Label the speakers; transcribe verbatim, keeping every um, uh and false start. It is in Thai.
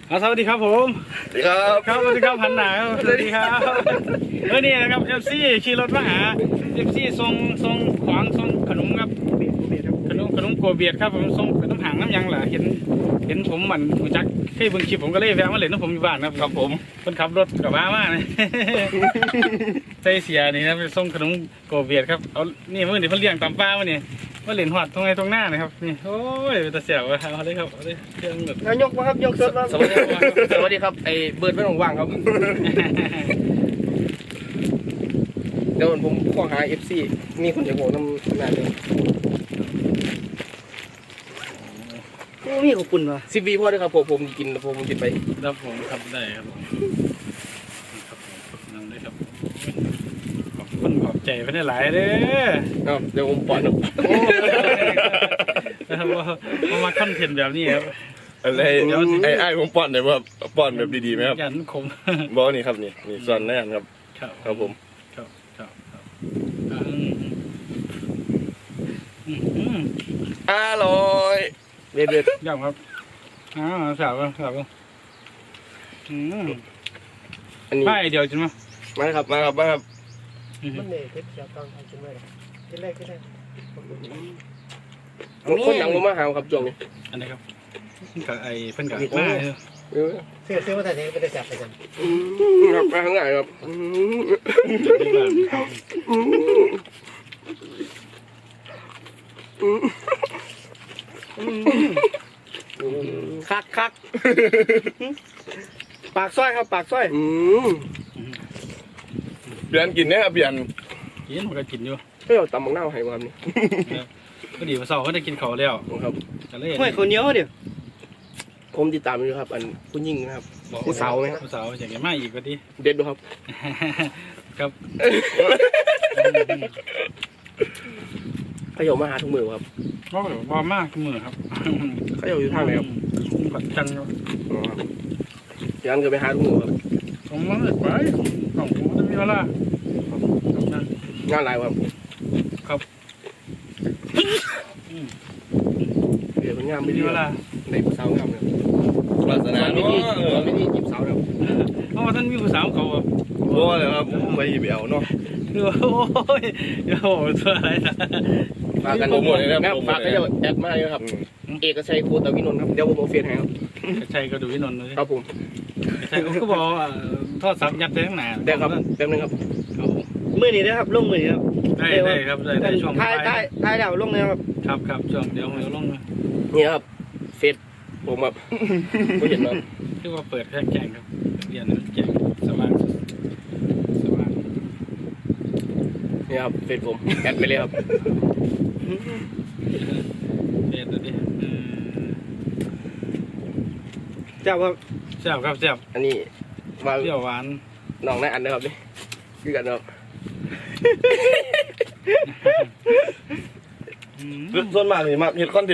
Speaker 1: สวัสดีครับผม
Speaker 2: สวัสดีครับ
Speaker 1: ครับสวัสดีครับพันหนาครับสวัสดีครับเออนี่นะครับเอฟซีขี่รถมาหาเอฟซีส่งส่งของส่งขนมครับขนมขนมโกเบียดครับผมส่งน้ำหางน้ำยังเหรอเห็นเห็นผมเหมือนหูจักเคยเบิ่งคลิปผมก็เลยแวะมาเล่นน้ำผมอยู่บ้านครับครับผมคนขับรถกับบ้ามากเลยใส่เสียนี่นะไปส่งขนมโกเบียดครับเอานี่เมื่อนี่เพิ่นเลี้ยงตามป้ามาเนี่ยมาเล่นหอดตรงไหนตรงหน้านะครับนี่โอ้ยตาเสียวเอาเลยครับเอาเลยเครื่องแบบ
Speaker 3: ยกมาครับยกสดมา
Speaker 2: สวัสดีครับสวัสดีครับไอ้เบิร์ดไม่ต้องว่างครับเดี๋ยวผมข้อหาเอฟซีมีคนจะโหน้ำนานเลย
Speaker 3: โอ้มีขอบคุณว่ะ
Speaker 2: สิบวีพ่อด้วยครับผมผมกินผมผมกินไป
Speaker 1: ครับผมครับได้ครับผมครับผมนั่งได้ครับขอบคุณขอบใจเพื่อนหลายเด้อ
Speaker 2: อ้าวเดี๋ยวผมปล่อยหนุ่ม
Speaker 1: นะครับว่าว่ามาคอนเทนต์แบบนี้ครับ
Speaker 4: อะไรไอ้ไอ้ผมป้อนเนี่ยว่าป้อนแบบดีๆไหมครับ
Speaker 1: ยันคม
Speaker 4: บอกนี่ครับนี่นี่ส่วนแน่นครับ
Speaker 1: ครับ
Speaker 4: ครับผม
Speaker 1: ครับครับครับอืมอืมอืม
Speaker 4: อร่อย
Speaker 2: เด็ดเด็ด
Speaker 1: ยอมครับอ่าสาวสาวอืม
Speaker 2: อันนี้
Speaker 1: ไม่เดียวจริงไหม
Speaker 4: มาครับมาครับมาครับ
Speaker 3: มันเนี่ยเพชรเสียตังค์ทำกินไว้กินแรกกินแรก
Speaker 2: คนหนังผมมาหาครับจวงนี่
Speaker 1: อันนี้ครับเพิ่นกับไอ้เพิ่นกับมา
Speaker 2: เออ
Speaker 3: เสื้อเสื้อมาแต่ไหนไม่ได้จับไปกัน
Speaker 2: ครับมาข้างหน้าครับ
Speaker 3: คักคักปากซอยครับปากซอย
Speaker 2: อืม
Speaker 4: เปลี่ยนกินเนี่ยครับเปลี่ยน
Speaker 1: กินมันก็กินอยู่
Speaker 2: เฮ้ยเอาตำบักหน้าให้มาครับนี่
Speaker 1: พอดีมาสอบเขาได้กินเขาแล้ว
Speaker 2: ครับ
Speaker 1: ก็เลย
Speaker 3: ห้วยคนเหนียวเดี๋ยว
Speaker 2: ผมติดตามอยู่ครับ อันผู้หญิงนะครับ ผู้สาวไหมครับ
Speaker 1: ผู้สาวอย่างเงี้ยมาอีกก็ดี
Speaker 2: เด็ดดูครับ
Speaker 1: ครับ
Speaker 2: เขาอยู่มาหาทุกมือครับ
Speaker 1: ก็แบบว่ามากมือครับ
Speaker 2: เขาอยู่อยู่ทางไหนครับ
Speaker 1: ผัดจันทร์
Speaker 2: อ๋อครับยันก็ไปหาทุกมือครับ
Speaker 1: ผมมาเลยไปของผมจะมีเวลาครับนั่น
Speaker 2: งานหลายครับ
Speaker 1: ครับ
Speaker 2: เดี๋ยวมันงาม
Speaker 1: มี
Speaker 2: ไม่ดี
Speaker 1: เวลา
Speaker 2: ในผู้สาวงามเลย
Speaker 4: วาสนา
Speaker 2: ไม่
Speaker 4: เนาะ
Speaker 2: ดีไม่ดีจีบสาวครับ
Speaker 1: เพราะว่าท่านมีผู้สาวเขา
Speaker 4: โอ้เลยครับผมไปหยิบเอาเนาะ
Speaker 1: คือโอ้ยโอ้โหตัวอะไรนะ
Speaker 2: ฝากกัน
Speaker 4: โปรโมทเลยนะ
Speaker 2: นะ
Speaker 4: โปรโม
Speaker 2: ฝาก
Speaker 4: ท
Speaker 2: ให้
Speaker 4: เลย
Speaker 2: เดี๋ยวแอดมาเลยครับ เอกชัยโคตวินนท์ครับ เดี๋ยวผมเอาเฟซให้ครับ
Speaker 1: ชัยก็ดูวินนท์เลย
Speaker 2: ครับผม
Speaker 1: ชัยก็บอกทอดซับยัดได้ทั้งหนา
Speaker 2: ได้ครับแป๊บนึงครับ
Speaker 3: มือนี้นะครับลงมือนี้ครับ
Speaker 1: ได้ได้ครับได้ได้ช่วง
Speaker 3: ท้ายท้ายท้ายดาวลงเลยครับ
Speaker 1: ครับครับช่วงเดี๋ยวเราลง
Speaker 2: นี่ครับ เฟซผมครับผู้เห็นครับ
Speaker 1: คือว่าเปิดแค่แจ้งครับเรียนแจ้งสว่างสว่าง
Speaker 2: นี่ครับ เฟซผมแอดไปเลยครับ
Speaker 1: เรียนตัวนี้
Speaker 3: เจ้าครับ
Speaker 1: แซ่บครับแซ่บ
Speaker 2: อันนี้มา
Speaker 1: เปรี้ยวหวาน
Speaker 2: น้องนายอันนะครับนี่คือกันครับ
Speaker 4: ส่วนมากนี่มาเห็ดคอนเท